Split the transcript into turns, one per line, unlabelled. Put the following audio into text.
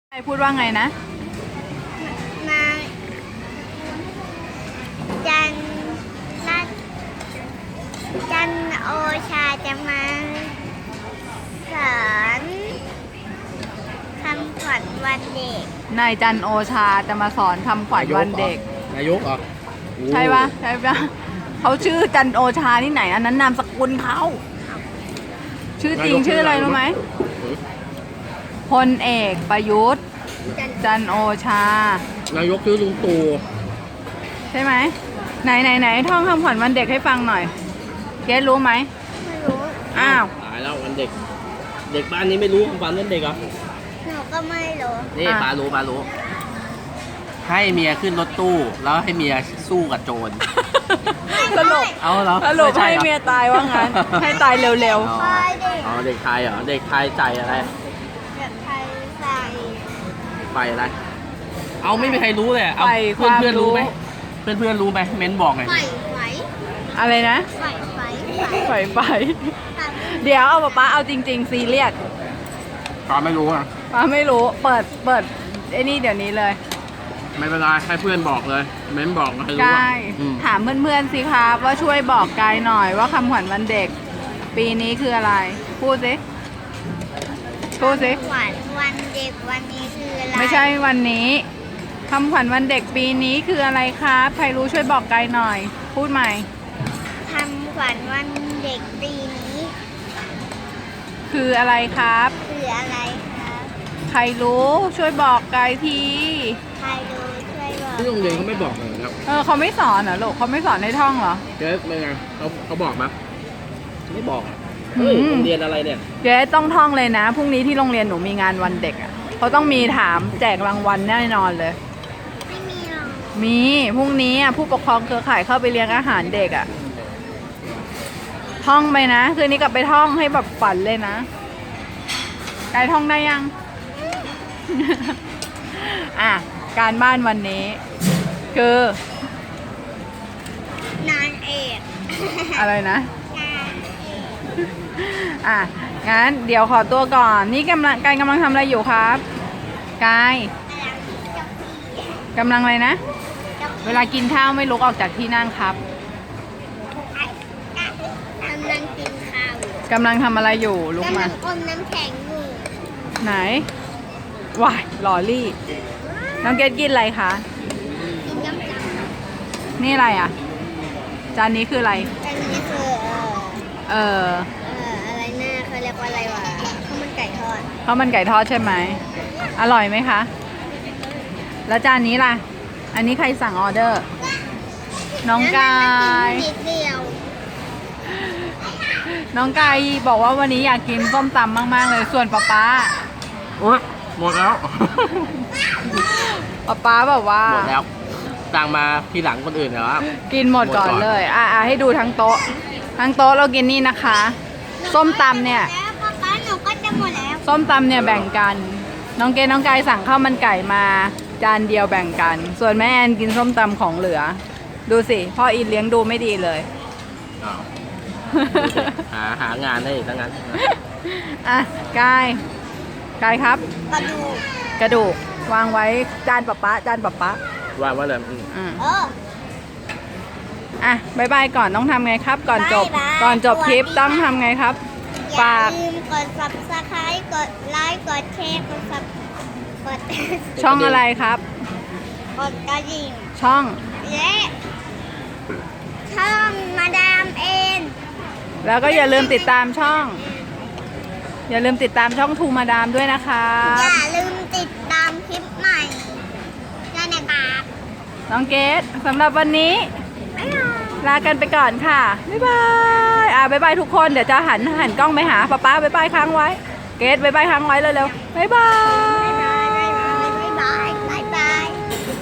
ใครพูดว่าไงนะ
มาจันรัตจันโอชาจะมาสอนคำขวัญวันเด็ก
นายจันโอชาจะมาสอนคำขวัญวันเด็ก
นายกเหรอ
ใช่ปะใช่ปะเขาชื่อจันโอชาที่ไหนอันนั้นนามสกุลเขาชื่อจริงชื่ออะไรรู้ไหมพลเอกประยุทธ์จันโอชาน
ายกชื่อลุงตู่
ใช่ไหมไหนท่องคำขวัญวันเด็กให้ฟังหน่อยเกรซรู้ไหม
ไม่รู้
อ้าว
ตายแล้ววันเด็กเด็กบ้านนี้ไม่รู้คำขวัญวันเด็กเหรอ
หนูก็ไม่รู้
นี่ปารู้ให้เมียขึ้นรถตู้แล้วให้เมียสู้กับโจร
สรุป
เอาเหรอ
สรุปให้เมียตายว่างั้นให้ตายเร็ว
ๆอ๋อเด็กไทยเหรอเด็กไทยใจอะไร
เด็กไทยใส่
ไปอะไรเอาไม่มีใครรู้เลยเอาเพื่อนรู้ไหมเพื่อนรู้ไหมเม้นบอกไง
ไฟ
อะไรนะไฟเดี๋ยวเอาป๊าเอาจริงๆซีเรียส
ป้าไม่รู้อ่ะ
ป้าไม่รู้เปิดไอ้นี่เดี๋ยวนี้เลย
ไม่เป็นไรให้เพื่อนบอกเลยเม้นบอกให้รู้
กายถามเพื่อนๆสิครับว่าช่วยบอกกายหน่อยว่าคำขวัญวันเด็กปีนี้คืออะไรพูดสิ
คำขวัญวันเด็กวันนี้คืออะไร
ไม่ใช่วันนี้คำขวัญวันเด็กปีนี้คืออะไรครับใครรู้ช่วยบอกกายหน่อยพูดใหม่
คำขวัญวันเด็กปีนี้
คืออะไรครับ
คืออะไรครับ
ใครรู้ช่วยบอกกายที
ใครรู้ช่วยบอก
ที่โรงเรียนเขาไม่บอกเลยครับ
เขาไม่สอนเหรอลูกเขาไม่สอนให้ท่องเหรอ
เจ๊เป็นไงเขาบอกมั้ยไม่บอกโรงเรียนอะไรเนี่ย
เจ๊ต้องท่องเลยนะพรุ่งนี้ที่โรงเรียนหนูมีงานวันเด็กอ่ะเขาต้องมีถามแจกรางวัลแน่นอนเลย
ไม่มีหรอก
มีพรุ่งนี้ผู้ปกครองเครือข่ายเข้าไปเลี้ยงอาหารเด็กอ่ะท่องไปนะคืนนี้กลับไปท่องให้แบบฝันเลยนะกายท่องได้ยังอ่ะการบ้านวันนี้คื
อนางเอก
อะไรนะอ่ะงั้นเดี๋ยวขอตัวก่อนนี่กำลังทำอะไรอยู่ครับกายกำลังอะไรนะเวลากินข้าวไม่ลุกออกจากที่นั่งครับ
กำลังกินข้าว
กำลังทำอะไรอยู่ลุกมาก
ำลังอมน้ำแข็งอยู่
ไหนว้ายลอรี่น้องเกดกินอะไรคะ
กินยำ
นี่อะไรอ่ะจานนี้คืออะไร
จานนี้คืออะไรนะเขาเรียกว่าอะไรวะข้าวมันไก่ทอด
ใช่ไหมอร่อยไหมคะแล้วจานนี้ล่ะอันนี้ใครสั่งออเดอร์น้องกายน้องกายบอกว่าวันนี้อยากกินส้มตำมากๆเลยส่วนป๊า
โอ๊ยหมดแล้ว
ป๊าแบบว่า
หมดแล้วสั่งมาทีหลังคนอื่นเหรอ
กินหมดก่อนเลยให้ดูทั้งโต๊ะเรากินนี่นะคะส้มตำเนี่ย
ป๊าหนูก็จะหมดแล้ว
ส้มตำเนี่ยแบ่งกันน้องกายสั่งข้าวมันไก่มาจานเดียวแบ่งกันส่วนแม่แอนกินส้มตำของเหลือดูสิพ่ออินเลี้ยงดูไม่ดีเลย
หางานได้ทั้งนั้น
กายครับกระดูกวางไว้จานป๊าว
างไว้เลย
บายบายก่อนต้องทำไงครับก่อนจบคลิปต้องทำไงครับ
ฝากอย่าลืมกด Subscribe กดไลค์กดแชร์กด
ช่องอะไรครับ
กดกระดิ่ง
ช่อง
และช่องมาดามเอ็น
แล้วก็อย่าลืมติดตามช่องทูมาดามด้วยนะคะ
อย่าลืมติดตามคลิปใหม่ด้วยนะครับ
น้องเกดสำหรับวันนี้ลากันไปก่อนค่ะบ๊ายบายบ๊ายบายทุกคนเดี๋ยวจะหันกล้องไปหาป๊าบ๊ายบายค้างไว้เกดบ๊ายบายค้างไว้เร็วๆบ๊ายบาย